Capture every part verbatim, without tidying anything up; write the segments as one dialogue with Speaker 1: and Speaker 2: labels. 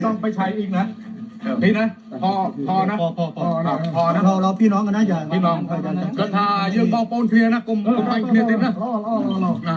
Speaker 1: ต้องไปใช้อีกนะนี่นะพอพอนะ
Speaker 2: พอพอพอ
Speaker 1: พอนะ
Speaker 2: เราเราพี่น้องกันนะอย่า
Speaker 1: พี่น้องก็ถ้ายืมบอลปนเพียนะกลุ่มกลุ่มไปเพียติดนะง่าย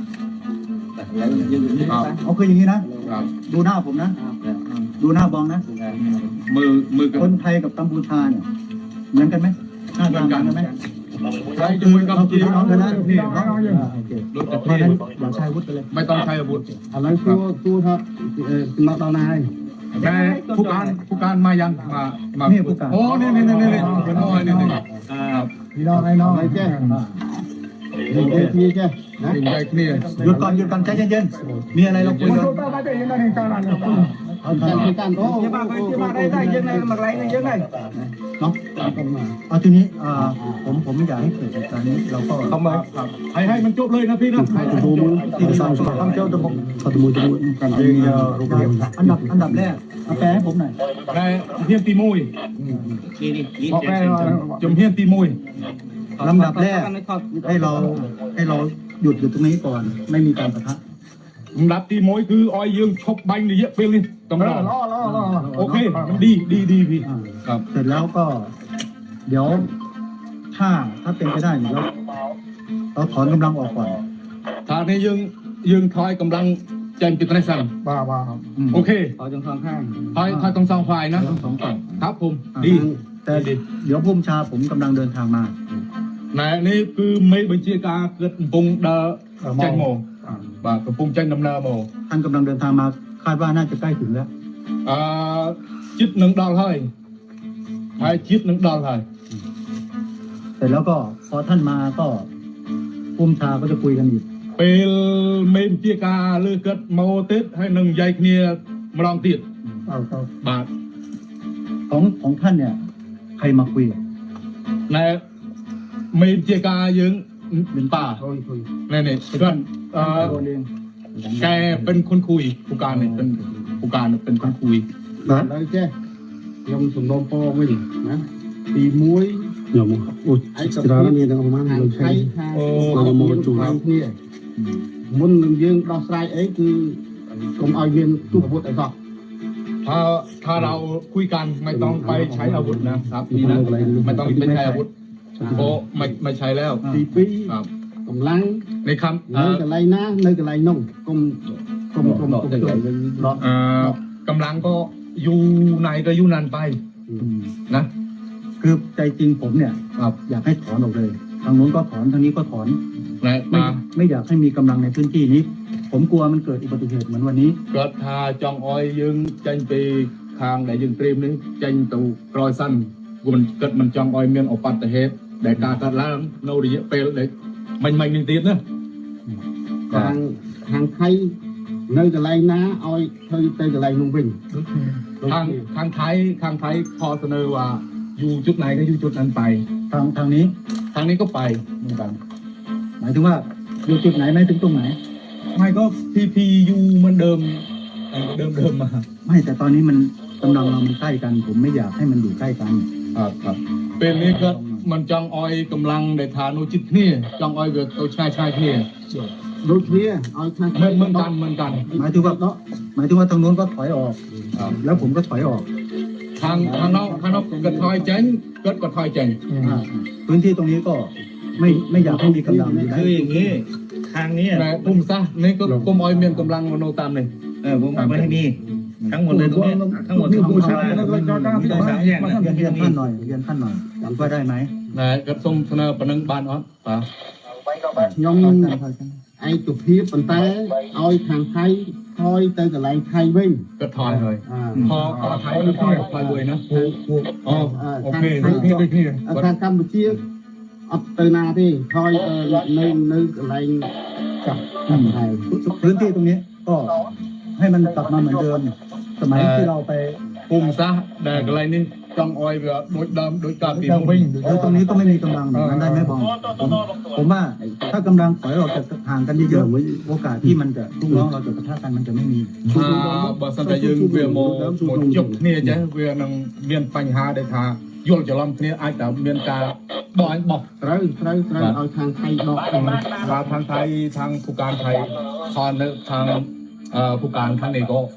Speaker 2: เอาคืออย่างนี้นะดูหน้าผมนะดูหน้าบองนะ
Speaker 1: มือมือ
Speaker 2: คนไทยกับกัมพูชาเนี่ยเหมือนกันไหมหน้าตาเหมือนกันไหม
Speaker 1: ใช้มือกับ
Speaker 2: เราคือ
Speaker 1: จี
Speaker 2: พี่น้องกันนะนี่เนาะ
Speaker 1: รถ
Speaker 2: เพ
Speaker 1: จะ
Speaker 2: ราะ
Speaker 1: เพีย
Speaker 2: นั้นอย่าใช้อาวุธไปเลย
Speaker 1: ไม่ต้องใช้อาวุธ
Speaker 3: อะไรตัวตัวครับเออมาตอนไหน
Speaker 1: แม่ผู้การผู้การมายังมามาโอ้นี่นี่นี่นี่นี่เป็นน้อยนี่นี่
Speaker 3: พี่น้องไอ้น้องไอ้แจ้เด็กเด็กพี่แจ้นะ
Speaker 1: ถึงใจนี่
Speaker 2: หยุดก่อนหยุดก่อนใจเย็นๆมีอะไรเราคุยกัน
Speaker 3: เอาการคุยกันโอ้
Speaker 4: Dia bagai dia bagai dah je nak mak lain je nak.
Speaker 2: เนาะเอาทีนี้ผมผมไม่อยากให้เกิดเหตุการณ์นี้เราก็
Speaker 1: ทำไมให้ให้มันจบเลยนะพี่นะให้มันจบ
Speaker 2: ที่สองทำเจ้าตะบก
Speaker 3: เขาจะมูจะมูกัน
Speaker 2: อันดับอันดับแรกเอาแปลให้ผมหน่อย
Speaker 1: ในเฮียนตีมุยบอกแม่จมเฮียนตีมุย
Speaker 2: ลำดับแรกให้เราให้เราหยุดอยู่ตรงนี้ก่อนไม่มีการปะทะ
Speaker 1: ลำดับตีมุยคือออยยืมชกบังนี่เยอะไปเลยต้องรอโอเคดีดีดีพี่ครับ
Speaker 2: เสร็จแล้วก็ เดี๋ยวถ้าถ้าเป็นไปได้เดี๋ยวเราถอนกำลังออกก่อน
Speaker 1: ถ้าในยืงยืงทอยกำลังเจนจิตในสั่ง
Speaker 3: บ้าบ้า
Speaker 1: โอเค
Speaker 3: เอาจังสองข้าง
Speaker 1: ทอยทอยตรงสองฝ่ายนะ
Speaker 2: ทั้งสองฝั่ง
Speaker 1: ครับผมดี
Speaker 2: แต่เดี๋ยวพุ่มชาผมกำลังเดินทางมา
Speaker 1: ในนี่คือไม่บัญชีการเกิดปุ่งเดอใจโมบ่ากระปุ่งใจน้ำเนาโม
Speaker 2: ท่านกำลังเดินทางมาคาดว่าน่าจะใกล้ถึงแล้ว
Speaker 1: อ่าจิตหนึ่งดอลให้ให้จิตหนึ่งดอลให้
Speaker 2: เสร็จแล้วก็พอท่านมาก็พุ่มชาก็จะคุยกันอีก
Speaker 1: เป็นเมนเจียกาเลือเกิดโมเตสให้หนึ่งใหญ่เนียมาลองติด
Speaker 2: เอาเอา
Speaker 1: บาท
Speaker 2: ของของท่านเนี่ย ใครมาคุย
Speaker 1: ในเมนเจียกายังเป็นป่า
Speaker 3: คุยคุย
Speaker 1: ในนี่เพื่อนเอ่อแกเป็นคนคุยผู้การเนี่ยเป็นผู้การเป็นคนคุย
Speaker 3: แล้วแจ้ยมสมนมโปวิ่งนะตีมวยยมโอ้ไอ้สระนี่ต้องมาเราใช้เราโมจูทางนี่มุนยืนเราใส่ไอ้คือกรมเอาเงินตู้อาวุธไอ้ก็
Speaker 1: ถ้าถ้าเราคุยกันไม่ต้องไปใช้อาวุธนะครับนี่นะไม่ต้องไปใช้อาวุธโอ้ไม่ไม่ใช้แล้ว
Speaker 3: ตีปี
Speaker 1: ครับ
Speaker 3: กำลัง
Speaker 1: ในคำ
Speaker 3: เนื้อกระไรนะเนื้อกระไรน่องกลมกลมกลมกลมตัว
Speaker 1: เอ่อกำลังก็อยู่ในก็อยู่นันไปนะ
Speaker 2: คือใจจริงผมเนี่ย
Speaker 1: ครับ
Speaker 2: อยากให้ถอนออกเลย ทางโน้นก็ถอนทางนี้ก็ถอน
Speaker 1: นะ
Speaker 2: ไม่
Speaker 1: มา
Speaker 2: ไม่อยากให้มีกำลังในพื้นที่นี้ ผมกลัวมันเกิดอุบัติเหตุเหมือนวันนี้
Speaker 1: เกิดทาจองออยยึงจันปีทางไหนยึงเตรียมนี้จันตูกรอยสั้นกูมันเกิดมันจองออยเมียนออกปัตตะเหตุแต่การกัดล้างโนริเปลเด็กมันมันนิดนิดนะ
Speaker 3: ทางทางไทยเนื้อกระไรนะเอาเธอเตยกระไรนุ่งวิ่ง
Speaker 1: ทางทางไทยทางไทยพอเสนอว่าอยู่จุดไหนก็อยู่จุดนั้นไป
Speaker 2: ทางทางนี้
Speaker 1: ทางนี้ก็ไปเหมือนกัน
Speaker 2: หมายถึงว่าอยู่จุดไหนไหมถึงตรงไหน
Speaker 1: ไม่ก็พีพียูเหมือนเดิมเดิมเดิมมา
Speaker 2: ไม่แต่ตอนนี้มันกำลังเรามันใกล้กัน ผมไม่อยากให้มันอยู่ใกล้กัน
Speaker 1: ครับครับเป็นนี้ก็มันจังออยกำลังในฐานโนจิตเนี่ยจังออยเกิดเอาชายชายเนี่ย
Speaker 3: รถเนี่ยเอาทาง
Speaker 1: เหมือนเหมือนกันเหมือนกัน
Speaker 2: หมายถึงว่าหมายถึงว่าทางโน้นก็ถอยออก
Speaker 1: ครับ
Speaker 2: แล้วผมก็ถอยออก
Speaker 1: ทางทางนอกทางนอกกระทอยเจงเกิดกระทอยเจง
Speaker 2: อ่าพื้นที่ตรงนี้ก็ไม่ไม่อยากให้มีกำลังอยู่ได้
Speaker 4: คืออย่างนี้ทางนี้
Speaker 1: แต่ปุ่มซะนี่ก็กลมออยเมียนกำลังโนตามเลย
Speaker 4: เออผมไม่ให้มีทั้งหมดเลยตรงนี้ทั้งหมดทั้งหมดมีสามแยกนะ
Speaker 2: เรียนเรียนท่านหน่อยเรียนท่านหน่อยว่าได้ไหม
Speaker 1: นะก็ส่งเสนอปนังบานออสป่ะ
Speaker 3: ยมไอ้จุดพีปันแต่เอาทางไทยคอยเตยกระไรไทยวิ่ง
Speaker 1: ก็ถอยเลย
Speaker 3: อ่า
Speaker 1: พอพอไทยก็ถอยถอยเลยนะอ๋อโอเคพี่พี่
Speaker 3: ทางกัมพูชีอัปเตนาที่คอยเออในในอะไรกับไทย
Speaker 2: พื้นที่ตรงนี้ก็ให้มันกลับมาเหมือนเดิม สมัยที่เราไป
Speaker 1: ปุ่มซะแต่อะไรนี่จังออยแบบโดยดำโดยการตีวิ่ง
Speaker 2: แล้วตรงนี้ก็ไม่มีกำลังอย่างนั้นได้ไหมบองผมผมว่าถ้ากำลังถอยออกจากห่างกันเยอะๆโอกาสที่มันจะลูกน้องเราจะปะทะกันมันจะไม่มี
Speaker 1: ถ้าบอสันแต่ยังเวียโมหมดจบเนี่ยจะเวียนังเมียนปัญหาได้ทายลจะล้อมเนี่ยอาจจะเมียนกาบอยบอก
Speaker 3: เตยเตยเตยเอาทางไทยดอก
Speaker 1: ว่าทางไทยทางผู้การไทยคอนทางผู้การทางนี้ก็ก็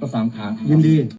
Speaker 1: สามขา
Speaker 2: ยินดี